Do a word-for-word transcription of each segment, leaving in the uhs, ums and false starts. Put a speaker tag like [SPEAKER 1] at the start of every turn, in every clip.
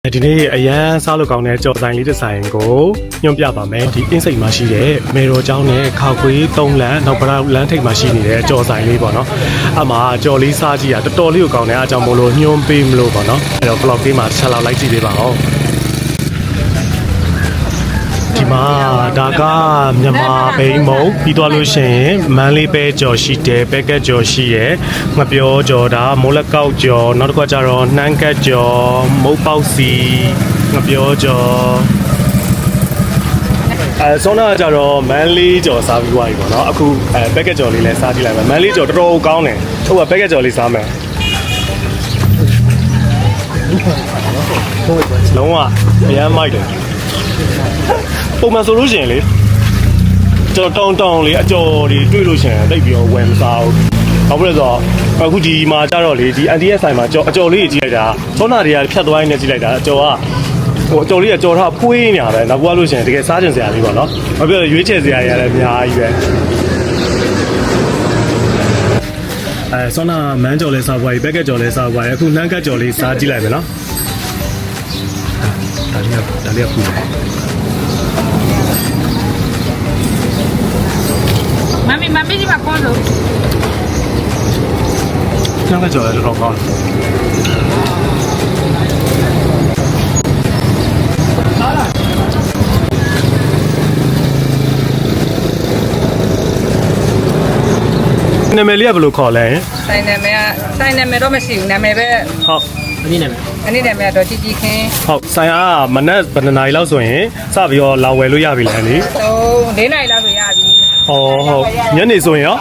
[SPEAKER 1] ဒီနေ့အရန်စားလို့ကောင်းတဲ့ကြော်ဆိုင်လေးတစ်ဆိုင်ကိုညွှန်ပြပါမယ်ဒီအင်းစိတ်မှာရှိတဲ့မေတော်ကျောင်းနဲ့ခောက်ခွေးသုံးလမ်းနောက်ပရလမ်းထိပ်မှာရှိနေတဲ့ကြော်ဆိုင်လေးပေါ့နော်အမှကြော်လေးစားကြည့်ရတော်တော်လေးကိုကောင်းတယ်အားကြောင့်မို့လို့ညွှန်ပေးမလို့ပေါ့နော်အဲ့တော့ vlog လေးမှာဆက်လောက်လိုက်ကြည့်ပေးပါဦးဒီမှာဒါကမြန်မာဘိန်းမုံပြီးသွားလို့ရှိရင်မန်းလေးပဲကြော်ရှိတယ်ပဲကက်ကြော်ရှိရယ်ငပြောကြော်ဒါမိုးလက်ကောက်ကြော်နောက်တစ်ခါကျတော့နှမ်းကက်ကြော်မုတ်ပေါက်စီငပြောကြော်အဲဆောနာကျတော့မန်းလေးကြော်စားပြီးသွားပြီပေါ့နော်အခုအဲပဲကက်ကြော်လေးလည်းစားကြည့်လိုက်မယ်မန်းလေးကြော်တော်တော်ကောင်းတယ်ဟုတ်ပါပဲကက်ကြော်လေးစားမယ်လုံးဝအရမ်းမိုက်တယ်ပုံမှန်ဆိုလို့ရှိရင်လေကျွန်တော်တောင်းတောင်းလေးအကျော်တွေတွေ့လို့ရှိရင်တိတ်ပြီးတော့ဝယ်မစားဘူး။ဘာဖြစ်လဲဆိုတော့အခုဒီမှာကျတော့လေဒီ အန် တီ အက်စ် ဆိုင်မှာကြော်အကျော်လေးကြီးကြည့်လိုက်တာသောနာတွေကဖြတ်သွားရင်းနဲ့ကြည့်လိုက်တာအကျော်ကဟိုအကျော်လေးကကြော်ထားဖွေးနေတာပဲနောက်ဘွားလို့ရှိရင်တကယ်စားကျင်စရာလေးပေါ့နော်။ဘာဖြစ်လဲရွေးချယ်စရာတွေလည်းအများကြီးပဲ။အဲသောနာမန်းကြော်လေးစားပွားကြီးဘက်ကက်ကြော်လေးစားပွားကြီးအခုနှမ်းကက်ကြော်လေးစားကြည့်လိုက်မယ်နော်။ဒါလေးကဒါလေးကပူတယ်
[SPEAKER 2] Mami, mami di makono.
[SPEAKER 1] Jangan jual di rokok. Nama dia belum call eh?
[SPEAKER 2] Saya nama, saya nama itu masih nama be.
[SPEAKER 1] ဟုတ်
[SPEAKER 3] Ini nama.
[SPEAKER 2] Ini nama itu Cici Ken.
[SPEAKER 1] ဟုတ်ဆိုင်အားမနက်ဘယ်နှစ်နာရီလောက်ဆိုရင်စပြီးတော့လာဝယ်လို့ရပြီလားလေ
[SPEAKER 2] Oh, dia nak ilah tu ya bi.
[SPEAKER 1] ဟောဟုတ်ညနေဆိုရင်ရော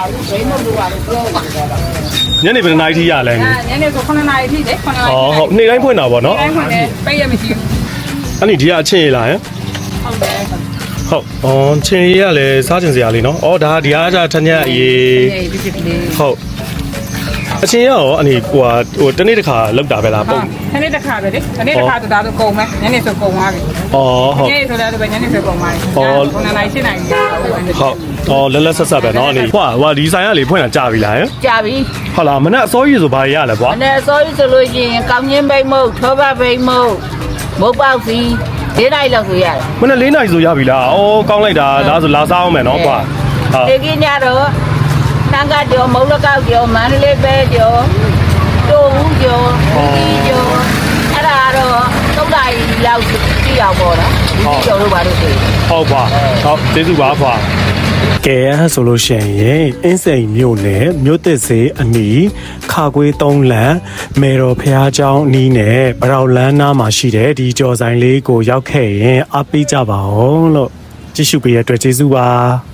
[SPEAKER 1] ညနေဘယ်နှစ်နာရီထိရလဲ
[SPEAKER 2] Ah, ni ni tu kono naik ni deh, kono
[SPEAKER 1] ဟော
[SPEAKER 2] naik.
[SPEAKER 1] ဟုတ်နေ့တိုင်းဖွင့်တာပေါ့နော်
[SPEAKER 2] Ni kono deh, bayar mesti.
[SPEAKER 1] အဲ့ဒီဒီကအချင်းရလားဟင်
[SPEAKER 2] Oh deh.
[SPEAKER 1] ဟုတ်အော်ချင်းရကလည်းစားချင်စရာလေးနော်အော်ဒါဒီအားကြထက်ညက်အေး
[SPEAKER 2] Ni bisik ni.
[SPEAKER 1] ဟုတ်အချင်းရရောအနေဟိုဟိုတနေ့တစ်ခါလောက်တာပဲလားပုံ
[SPEAKER 2] Ah, ni dah kah deh. Ni dah kah tu dah tu kau mah. Ni ni tu kau mah.
[SPEAKER 1] အော်ဟုတ်
[SPEAKER 2] Ni tu dah tu banyak ni tu kau mah.
[SPEAKER 1] Oh.
[SPEAKER 2] Kono naik sini naik.
[SPEAKER 1] ဟုတ်အော်လက်လက်ဆက်ဆက်ပဲเนาะအနေဟွာဟွာဒီဆိုင်ကလေဖွင့်တာကြာပြီလားဟင်
[SPEAKER 4] ကြပြီ
[SPEAKER 1] ဟုတ်လားမနက်အစောကြီးဆိုဘာရရလဲကွာ
[SPEAKER 4] ။အဲ့အစိုးရဆိုလို့ရှိရင်ကောင်းချင်းဘိတ်မုတ်ထောဘဘိတ်မုတ်မုတ်ပေါက်စီဒေးလိုက်လောက်ဆိုရတယ်
[SPEAKER 1] မနက်လေးနာရီဆိုရပြီလားအော်ကောင်းလိုက်တာဒါဆိုလာစားအောင်မယ်เนาะကွာဟုတ်
[SPEAKER 4] ။ဒီကညတော့တန်ကကြောမုတ်လကောက်ကြောမန္တလေးပဲကြောတိုးဦးကြောဒီကြောအဲ့ဒါတော့သုံးလိုက်လောက်ကြည့်အောင်ပေါ့နော်။ဒီကြောတို့ဘာလို့ဆို
[SPEAKER 1] ဟုတ်ပါဟုတ်ကျေးဇူးပါခွာကဲအဲ့ဆိုလို့ရှိရင်အင်းစိန်မြို့နယ်မြို့သစ်စေးအနီးခါကွေးသုံးလမ်းမေတော်ဖျားเจ้าအနီးနဲ့ပရောက်လန်းနားမှာရှိတဲ့ဒီကြော်ဆိုင်လေးကိုရောက်ခဲ့ရင်အားပေးကြပါအောင်လို့ကြည့်ရှုပေးရတဲ့အတွက်ကျေးဇူးပါ